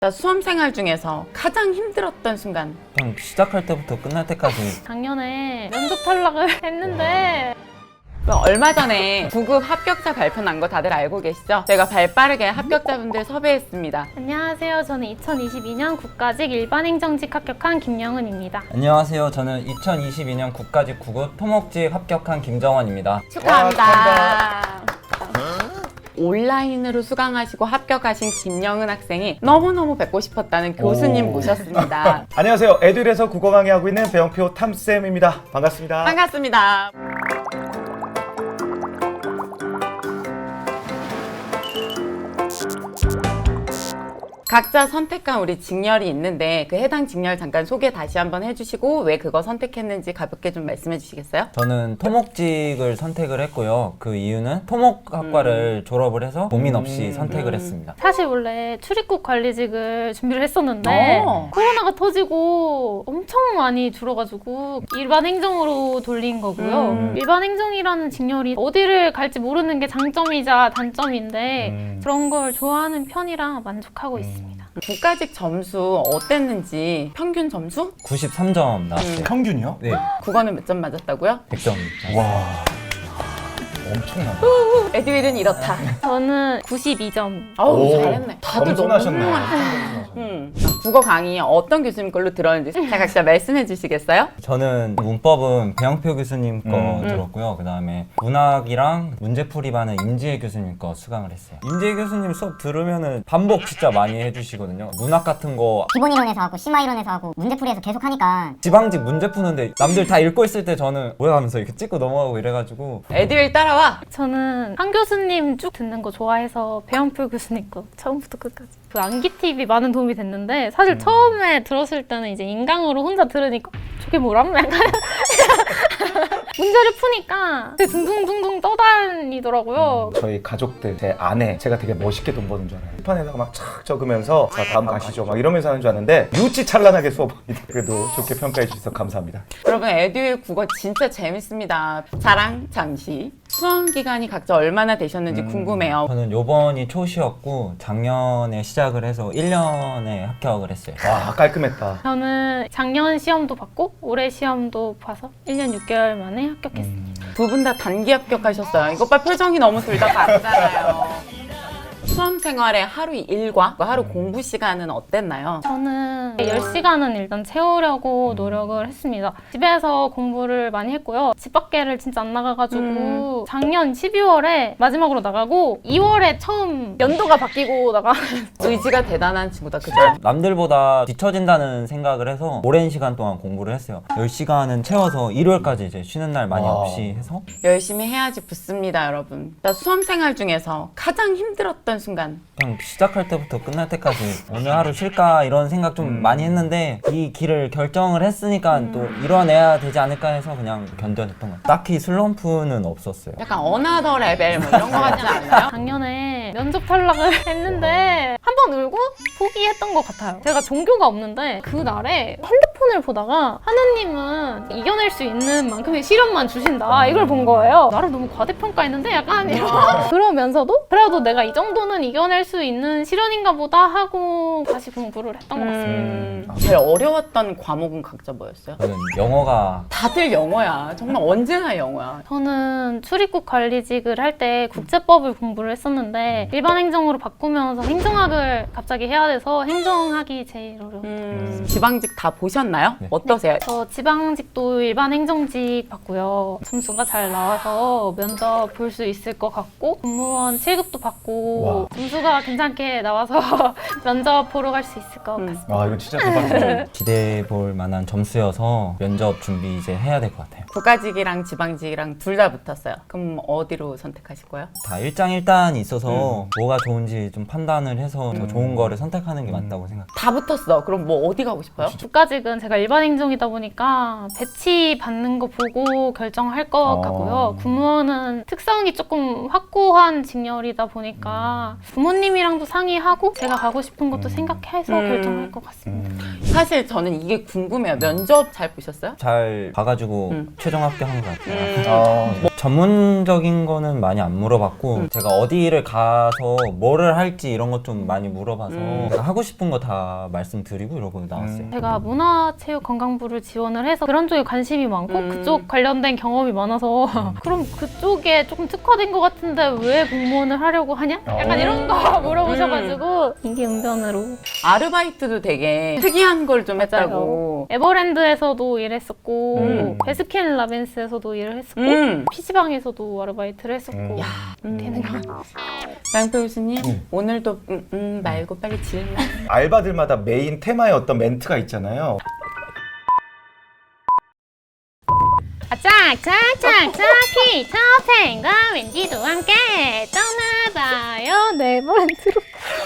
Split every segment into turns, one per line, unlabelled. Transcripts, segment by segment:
수험생활 중에서 가장 힘들었던 순간.
그냥 시작할 때부터 끝날 때까지.
작년에 면접 탈락을 했는데
얼마 전에 9급 합격자 발표 난 거 다들 알고 계시죠? 제가 발빠르게 합격자분들 섭외했습니다.
안녕하세요. 저는 2022년 국가직 일반행정직 합격한 김영은입니다.
안녕하세요. 저는 2022년 국가직 9급 토목직 합격한 김정원입니다.
축하합니다. 온라인으로 수강하시고 합격하신 김영은 학생이 너무너무 뵙고 싶었다는 교수님 모셨습니다.
안녕하세요. 에듀일에서 국어 강의하고 있는 배영표 탐쌤입니다. 반갑습니다.
반갑습니다. 각자 선택한 우리 직렬이 있는데 그 해당 직렬 잠깐 소개 다시 한번 해주시고 왜 그거 선택했는지 가볍게 좀 말씀해 주시겠어요?
저는 토목직을 선택을 했고요. 그 이유는 토목학과를 졸업을 해서 고민 없이 선택을 했습니다.
사실 원래 출입국 관리직을 준비를 했었는데 코로나가 터지고 엄청 많이 줄어가지고 일반 행정으로 돌린 거고요. 일반 행정이라는 직렬이 어디를 갈지 모르는 게 장점이자 단점인데 그런 걸 좋아하는 편이라 만족하고 있습니다.
국가직 점수 어땠는지 평균 점수?
93점 나왔어요.
평균이요?
네,
국어는 몇 점 맞았다고요?
100점.
와, 엄청나네.
에듀윌은 이렇다.
저는 92점.
어우
오,
잘했네. 다들 너무
겸손하셨네.
훌륭하네. 국어 강의 어떤 교수님 걸로 들었는지 각자 말씀해 주시겠어요?
저는 문법은 배영표 교수님 거 들었고요. 그 다음에 문학이랑 문제풀이반은 임지혜 교수님 거 수강을 했어요. 임지혜 교수님 수업 들으면은 반복 진짜 많이 해주시거든요. 문학 같은 거
기본 이론에서 하고 심화 이론에서 하고 문제풀이에서 계속 하니까
지방직 문제 푸는데 남들 다 읽고 있을 때 저는 뭐야 하면서 이렇게 찍고 넘어가고 이래가지고
에듀윌 따라와.
저는 한 교수님 쭉 듣는 거 좋아해서 배영표 교수님 거 처음부터 끝까지 그 암기 팁이 많은 도움이 됐는데 사실 처음에 들었을 때는 이제 인강으로 혼자 들으니까 저게 뭐람? 약간 문제를 푸니까 되게 둥둥둥둥 떠다니더라고요.
저희 가족들, 제 아내, 제가 되게 멋있게 돈 버는 줄 알아요. 판에다가 막 착 적으면서 자 다음 가시죠 막 이러면서 하는 줄 알았는데 유치찬란하게 수업합니다. 그래도 좋게 평가해 주셔서 감사합니다.
여러분 에듀윌 국어 진짜 재밌습니다. 자랑 잠시. 수험 기간이 각자 얼마나 되셨는지 궁금해요.
저는 요번이 초시였고 작년에 시작을 해서 1년에 합격을 했어요.
와, 깔끔했다.
저는 작년 시험도 봤고 올해 시험도 봐서 1년 6개월 만에 합격했습니다.
두 분 다 단기 합격하셨어요. 이것 봐 표정이 너무 둘 다 밝잖아요. 수험 생활의 하루 일과 하루 공부 시간은 어땠나요?
저는 10시간은 일단 채우려고 노력을 했습니다. 집에서 공부를 많이 했고요. 집 밖에를 진짜 안 나가가지고 작년 12월에 마지막으로 나가고 2월에 처음 연도가 바뀌고
의지가 대단한 친구다, 그죠?
남들보다 뒤처진다는 생각을 해서 오랜 시간 동안 공부를 했어요. 10시간은 채워서 일요일까지 이제 쉬는 날 많이
와.
없이 해서
열심히 해야지 붙습니다, 여러분. 수험 생활 중에서 가장 힘들었던 순간.
그냥 시작할 때부터 끝날 때까지 오늘 하루 쉴까 이런 생각 좀 많이 했는데 이 길을 결정을 했으니까 또 이뤄내야 되지 않을까 해서 그냥 견뎌냈던 것 같아요. 딱히 슬럼프는 없었어요.
약간 어나더 레벨 뭐 이런 거 같지 않나요?
작년에 면접 탈락을 했는데 한 번 울고 포기했던 것 같아요. 제가 종교가 없는데 그날에 핸드폰을 보다가 하느님은 이겨낼 수 있는 만큼의 시련만 주신다 이걸 본 거예요. 나를 너무 과대평가했는데 약간 이런 그러면서도 그래도 내가 이 정도는 이겨낼 수 있는 시련인가 보다 하고 다시 공부를 했던 것 같습니다.
제일 어려웠던 과목은 각자 뭐였어요?
저는 영어가
다들 영어야. 정말 언제나 영어야.
저는 출입국 관리직을 할 때 국제법을 공부를 했었는데 일반 행정으로 바꾸면서 행정학을 갑자기 해야 돼서 행정학이 제일 어려웠어요.
지방직 다 보셨나요?
네.
어떠세요?
저 지방직도 일반 행정직 봤고요. 점수가 잘 나와서 면접 볼 수 있을 것 같고 공무원 7급도 받고
와.
점수가 괜찮게 나와서 면접 보러 갈 수 있을 것 같습니다.
와, 이건 진짜 대박이다.
기대해 볼 만한 점수여서 면접 준비 이제 해야 될 것 같아요.
국가직이랑 지방직이랑 둘 다 붙었어요. 그럼 어디로 선택하실 거예요?
다 일장일단이 있어서 뭐가 좋은지 좀 판단을 해서 더 좋은 거를 선택하는 게 맞다고 생각해요.
다 붙었어. 그럼 뭐 어디 가고 싶어요?
국가직은 제가 일반 행정이다 보니까 배치 받는 거 보고 결정할 것 같고요. 군무원은 특성이 조금 확고한 직렬이다 보니까 부모님이랑도 상의하고 제가 가고 싶은 것도 생각해서 결정할 것 같습니다.
사실 저는 이게 궁금해요. 면접 잘 보셨어요?
잘 봐가지고 최종 합격한 것 같아요.
아,
전문적인 거는 많이 안 물어봤고 제가 어디를 가서 뭐를 할지 이런 것 좀 많이 물어봐서 제가 하고 싶은 거 다 말씀드리고 이러고 나왔어요.
제가 문화체육관광부를 지원을 해서 그런 쪽에 관심이 많고 그쪽 관련된 경험이 많아서 그럼 그쪽에 조금 특화된 것 같은데 왜 공무원을 하려고 하냐? 약간 이런 거 물어보셔가지고 임기응변으로
아르바이트도 되게 특이한 걸 좀 했다고.
에버랜드에서도 일했었고 베스킨라빈스에서도 일을 했었고 PC방에서도 아르바이트를 했었고 되는 거.
양표 교수님 오늘도 말고 빨리 질문.
알바들마다 메인 테마의 어떤 멘트가 있잖아요.
짝짝짝짝 피터팬과 웬디도 함께 떠나봐요 네버랜드로.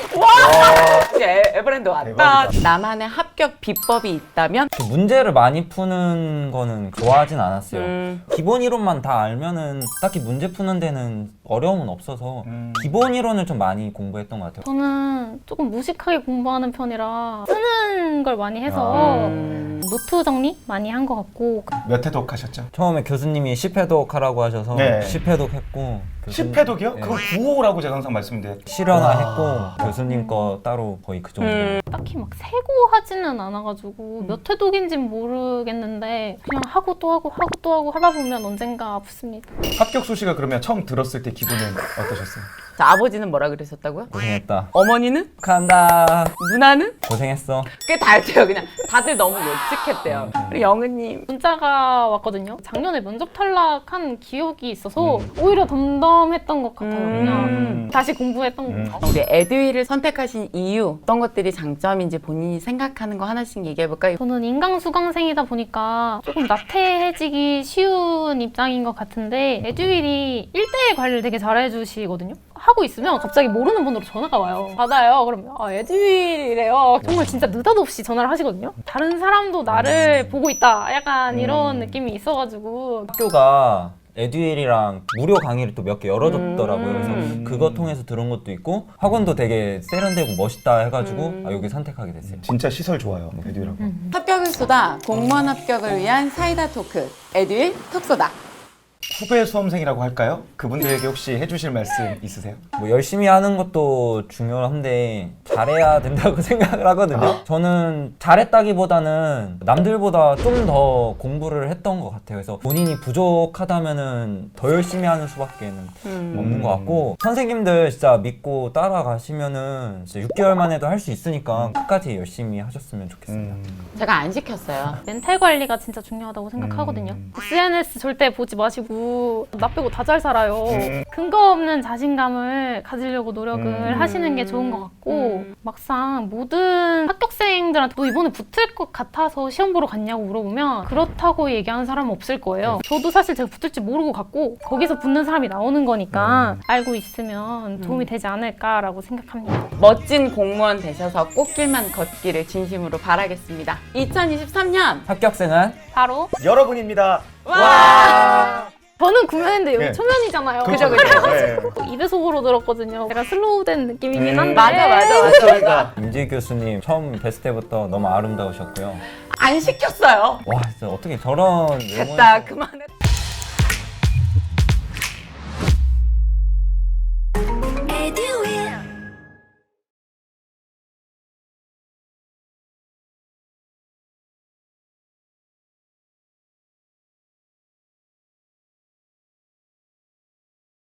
이제 에버랜드 왔다.
대박이다.
나만의 합격 비법이 있다면?
문제를 많이 푸는 거는 좋아하진 않았어요. 기본 이론만 다 알면은 딱히 문제 푸는 데는 어려움은 없어서 기본 이론을 좀 많이 공부했던 것 같아요.
저는 조금 무식하게 공부하는 편이라 쓰는 걸 많이 해서 노트 정리 많이 한 것 같고.
몇 회독 하셨죠?
처음에 교수님이 10회독 하라고 하셔서
네.
10회독 했고
10회독이요?
네.
그거 9호라고 제가 항상 말씀드려요.
실현화 했고 교수님 거 따로 거의 그 정도.
딱히 막 세고 하지는 않아가지고 몇 회독인지는 모르겠는데 그냥 하고 또 하고 하고 또 하고 하다 보면 언젠가 붙습니다.
합격 소식을 그러면 처음 들었을 때 기분은 어떠셨어요?
자, 아버지는 뭐라 그러셨다고요?
고생했다.
어머니는?
축하한다.
누나는?
고생했어.
그게 다였대요. 그냥 다들 너무 예측했대요. 그리고 영은님.
문자가 왔거든요. 작년에 면접 탈락한 기억이 있어서 오히려 덤덤했던 것 같아요. 그냥 다시 공부했던 것 같아요.
우리 에듀윌을 선택하신 이유 어떤 것들이 장점인지 본인이 생각하는 거 하나씩 얘기해볼까요?
저는 인강수강생이다 보니까 조금 나태해지기 쉬운 입장인 것 같은데 에듀윌이 1대1 관리를 되게 잘해주시거든요. 하고 있으면 갑자기 모르는 번호로 전화가 와요. 받아요. 그러면 에듀윌이래요. 정말 진짜 느닷없이 전화를 하시거든요. 다른 사람도 나를 보고 있다. 약간 이런 느낌이 있어가지고
학교가 에듀윌이랑 무료 강의를 또 몇 개 열어줬더라고요. 그래서 그거 통해서 들은 것도 있고 학원도 되게 세련되고 멋있다 해가지고 여기 선택하게 됐어요.
진짜 시설 좋아요. 에듀윌하고.
합격을 쏟아 공무원 합격을 위한 사이다 토크 에듀윌 톡소다.
후배 수험생이라고 할까요? 그분들에게 혹시 해주실 말씀 있으세요?
뭐 열심히 하는 것도 중요한데 잘해야 된다고 생각을 하거든요. 저는 잘했다기보다는 남들보다 좀 더 공부를 했던 것 같아요. 그래서 본인이 부족하다면은 더 열심히 하는 수밖에 없는 것 같고 선생님들 진짜 믿고 따라가시면은 진짜 6개월 만에도 할 수 있으니까 끝까지 열심히 하셨으면 좋겠습니다.
제가 안 시켰어요.
멘탈 관리가 진짜 중요하다고 생각하거든요. SNS 절대 보지 마시고 나 빼고 다 잘 살아요. 근거 없는 자신감을 가지려고 노력을 하시는 게 좋은 것 같고 막상 모든 합격생들한테 너 이번에 붙을 것 같아서 시험 보러 갔냐고 물어보면 그렇다고 얘기하는 사람은 없을 거예요. 저도 사실 제가 붙을지 모르고 갔고 거기서 붙는 사람이 나오는 거니까 알고 있으면 도움이 되지 않을까라고 생각합니다.
멋진 공무원 되셔서 꽃길만 걷기를 진심으로 바라겠습니다. 2023년
합격생은
바로
여러분입니다.
저는 구면인데 여기
네.
초면이잖아요.
그죠. 네.
2배속으로 들었거든요. 제가 슬로우된 느낌이긴 한데
맞아.
저희가
임지 교수님 처음 뵀을 때부터 너무 아름다우셨고요.
안 시켰어요.
와 진짜 어떻게 저런
됐다. 그만해.